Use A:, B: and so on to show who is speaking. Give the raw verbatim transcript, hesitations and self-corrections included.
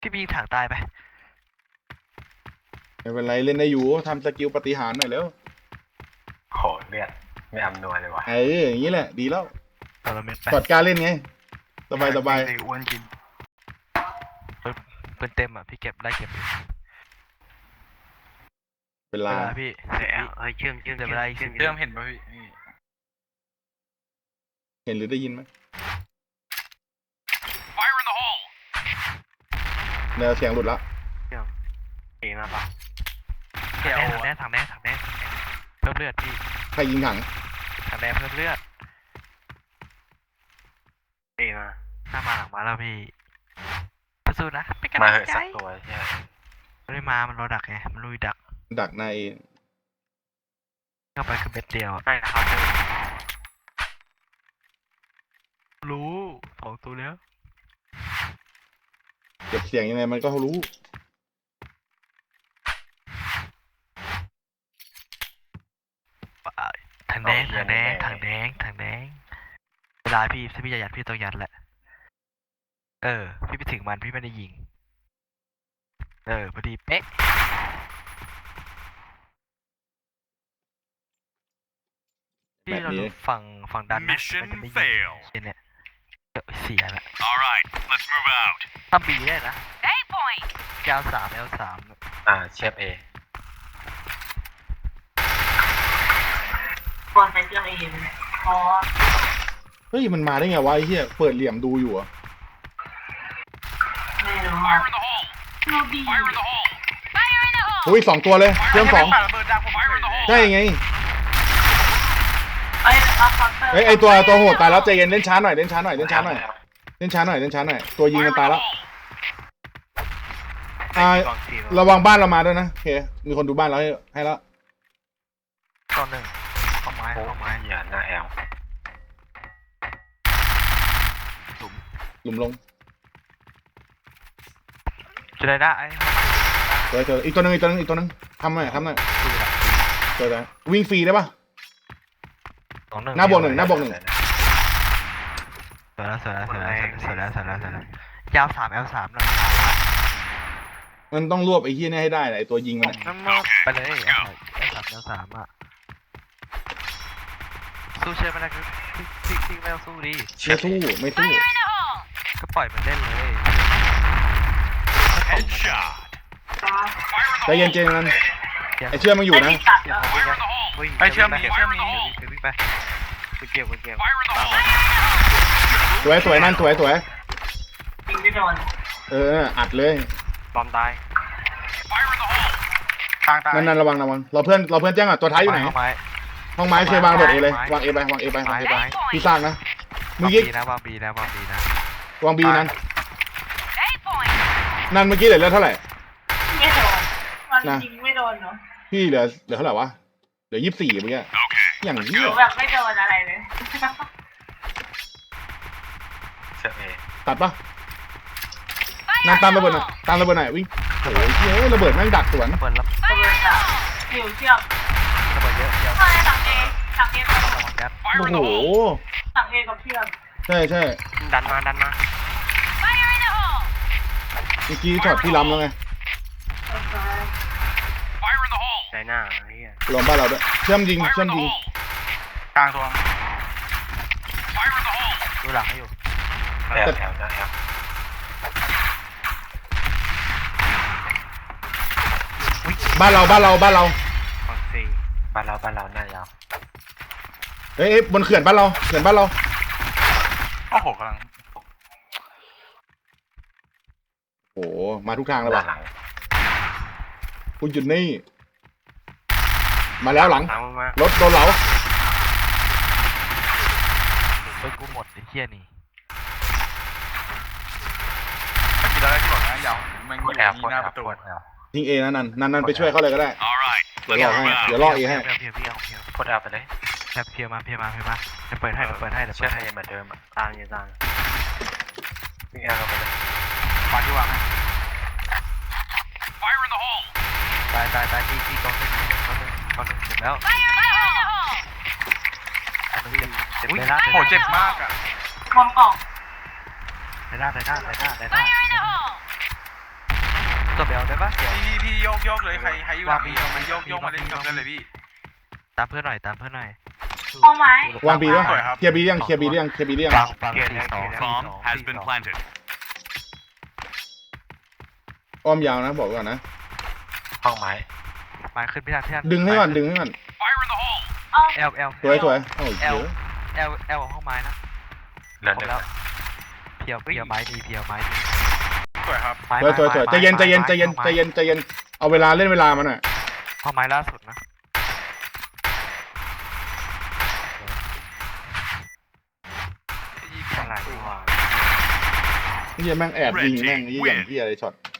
A: พี่ไปยิงถังตายไป
B: ไม่เป็นไรเล่นได้อยู่ทำสกิลปฏิหารหน่อยแล้ว
C: โหเลือดไม่อำนวยเลยว่ะ
B: เอออย่างนี้แหละดีแล้ว
A: ตอนเราเม็ดไป
B: กอดการเล่นไงสบายสบาย
C: อ้วนกิน
A: ปืนเต็มอ่ะพี่เก็บได้เก็บ
B: เวลา
A: พี่
C: เฮ้ยเชื่อมเชื่อม
A: เดี๋ยวเวลาอีกสิบ
C: เชื่อมเห็นป่ะพี่
B: เห็นหรือได้ยินไหมแนวเสียงหลุดละ
C: เชื่อมเอมาป่ะ
A: ถังแน่ถังแน่ถังแน่ถังแน่เพิ่มเลือดพี่
B: ใครยิงถัง
A: ถังแน่เพิ่มเลือด
C: เอมา
A: หน้ามาหลังมาแล้วพี่สู้ๆนะเป็นกำ
C: มา
A: ลัง
C: เหอะ
A: ใจ
C: สักตัวใช่
A: ไม่ได้มามันรอดักไงมันลุยดัก
B: ดักใน
A: เข้าไปคือเม็ดเดียวอ่ะ
C: ใช่นะครับ
A: รู้สองตัวแล้ว
B: เก็บเสียงยังไงมันก็รู้
A: ถังแดงถังแดงถังแดงถังแดงเวลาพี่ถ้าพี่จะยัดพี่ต้องยัดแหละเออพี่ไปถึงมันพี่ไม่ได้ยิงเออพอดีเป๊ะพี่เราดูฝั่งฝั่งดันนะมันจะไม่ยิงเนี่ยเสียละทำบีได้นะเก้าสามเอลสาม
C: อ่าเชฟเอ
D: บอลไปเครื่องเองพอ
B: เฮ้ยมันมาได้ไงวะไอ้เหี้ยเปิดเหลี่ยมดูอยู่อะ
D: ไม่รู้ดูดี
B: อุ้ยสองตัวเลยเชื่อมสองใช่ไง
D: เอ้ยเอาคอร์เตอร์
B: เฮ้ยไอตัวตัวโหดตายแล้วใจเย็นเล่นช้าหน่อยเล่นช้าหน่อยเล่นช้าหน่อยเล่นช้าหน่อยเล่นช้าหน่อยตัวยิงมันตายแล้วอ่าระวังบ้านเรามาด้วยนะโอเคมีคนดูบ้านเราให้ให้แล้ว
A: ตอนหนึ่งเข้าไม้
C: โอ้
A: เข้าไม้
C: ยอย่าหน้าแอล
A: หลุม
B: หลุมลง
A: จะได้ได้ไอ้
B: เจอเจออีกตัวนึงอีกตัวนึงอีกตัวนึงทำหน่อยทำหน่อยเจอแล้ววิ่งฟรีได้ปะ
A: สองหนึ่ง
B: หน้าบวกหนึ่งหน้าบวกหนึ่ง
A: สวยแล้วสวยแล้วสวยแล้วสวยแล้วสวยแล้วสวยแล้วยาวสามเอลสามหน่อย
B: มันต้องรวบไอ้เหี้ยนี่ให้ได้ไอ้ตัวยิงมัน
A: นั่นมาไปเลยเอลสามเอลสามเอลสามอ่ะสู้เชื่อไม่ได้คือพี่พี่พี่ไม่ต้องสู้ดิ
B: ไม่สู้ไม่สู้
A: ก็ปล่อยมันเล่นเลย
B: ใจเย็นเจนนั้นไอ้เชื่อมันอยู่นะ
A: ไปเชื่อมนี้เชื่อมนี้วิ่งไปไปเกี่ยวไปเกี่ยวตามไป
B: สวยสวยนั่นสวยสวย
D: ยิงไม่โดน
B: เอออัดเลย
C: บอมตายทางตาย
B: นั่นนั่นระวังระวังเราเพื่อนเราเพื่อนแจ้งอ่ะตัวท้ายอยู่ไหนห้องไม้เคยวางโดดเอเลยวางเอไปวางเอไปวางเอไปพี่สร้างนะเมื่
A: วา
B: อง กี้
A: บีนะวางบีนะวางบีนะ
B: วางบีนั้นนั่นเมื่อกี้เหลือเท่าไหร่
D: ไม่โดนมันยิงไม่โดนเนาะ
B: พี่เหลือเหลือเท่าไหร่วะเหลือยี่สิบสี่เมื่อกี้อย่าง
D: ห
B: เหี้ย
D: นูแบบไม่โดนอะไรเลย
C: เชฟเอ
B: ตัดปะนั่นตามระเบิดหน่อยตามระเบิดหน่อยวิ่งโอ้ยเฮ้ยระเบิดแม่งดักสวน
A: เปิดรับ
D: ระเบิดอะหิวเชือก
A: ระเบิดเยอะเยอะ
D: ใช่สั่งเอสั่งเอ
A: ระวังแก๊ส
B: โอ้โห
D: สั่งเอกับเชือก
B: ใช่ใช่
C: ดันมาดันมา
B: เมื่อกี้ช็อตพี่ล้ำแล้วไง
C: ใจหน้าไอ้เหี้ย
B: รวมบ้านเราด้วยเชื่อมยิงเชื่อมยิง
C: กลางตัว
A: ดูหลังให้อยู่
C: แอลแอลหน้าแอล
B: บ้านเราบ้านเราบ้านเรา
C: ฝั่งซีบ้านเราบ้านเราหน้ายาว
B: เฮ้ยบนเขื่อนบ้านเราเขื่อนบ้านเรา
C: โอ้โหกำลัง
B: โอ้มาทุกทางเลยว่ะ
C: หลัง
B: คุณจุดนี่มาแล้วหลัง
C: หลังมาร
B: ถโดนเหลา
A: เฮ้ยกูหมดไอ้เหี้ยนี่
E: ไม่กี่แล้วที่บอกนะยาวมัน
C: ก
E: อ
C: ด
E: ยู่
C: แอลก
E: ที่
C: ด
E: หน้า
C: แอ
E: ป
C: ล
E: ระตู
C: กดแอล
B: ยิงเอนะนันนันนันไปช่วยเขาเลยก็ได้เดี๋ยวรอให้เดี๋ยวรอเอให้
A: เพียวเพียวเพียวเพียว
C: กดแอลไปเลย
A: แค่เพียวมาเพียวมาเพียวมาจะเปิดให้เดี๋ยวเปิดให้เดี๋ยว
C: เชื่
A: เปิ
C: อ
A: ด
C: ให้
A: ให้
C: เหมือนเดิมตามยังตามวิ่งแอลเข้าไปเลย
A: ปาที่วางให้ตายตายตายที่ที่กองหนึ่งกองหนึ่งกองหนึ่งเจ็บแล้วกองหนึ่งเจ็บเจ็บเลยนะ
E: โหเจ็บมากอ่ะ
D: มองกล่อง
A: เลยนะเลยนะเลยนะเลยนะตัวเบลได้ปะเดี๋ยว
E: พี่พี่โยกโยกเลยใครใครอยู่หลังพี่มันโยกโยกมาเล่นกับกันเลยพี่
A: ตามเพื่อนหน่อยตามเพื่อนหน่อย
D: ห้องไม้
B: วางบีด้วย
E: สวยครับ
B: เคลียร์บียังเคลียร์บียังเคลียร์บียัง
A: ฟังฟังสี่สองสี่สอง
F: Bomb has been planted.
B: อ้อมยาวนะบอกไว้ก่อนนะ
C: ห้องไม้
A: มาขึ้นพี่ทันพี่ทัน
B: ดึงให้ก่อนดึงให้ก่อน
F: Fire in the hole.
D: เอ้า
A: เอลเอล
B: สวยสวยโอ้ยเยอะ
A: เอลเอลของห้องไม้นะ
C: เหลือ
A: คร
C: ห
A: บ
C: นึ่ง
A: แล้วเพียวเพียวไม้ดีเพียวไม้ดี
E: สวยครับ
A: ไม้
B: สวยสวยสวยใจเย็นใจเย็นใจเย็นใจเย็นใจเย็นเอาเวลาเล่นเวลามันหน่อย
A: ห้องไม้ล่าสุดนะ
C: อะไรวะ
B: เฮียแม่งแอบยิงแม่งเฮียอย่างเฮียอะไรช็อต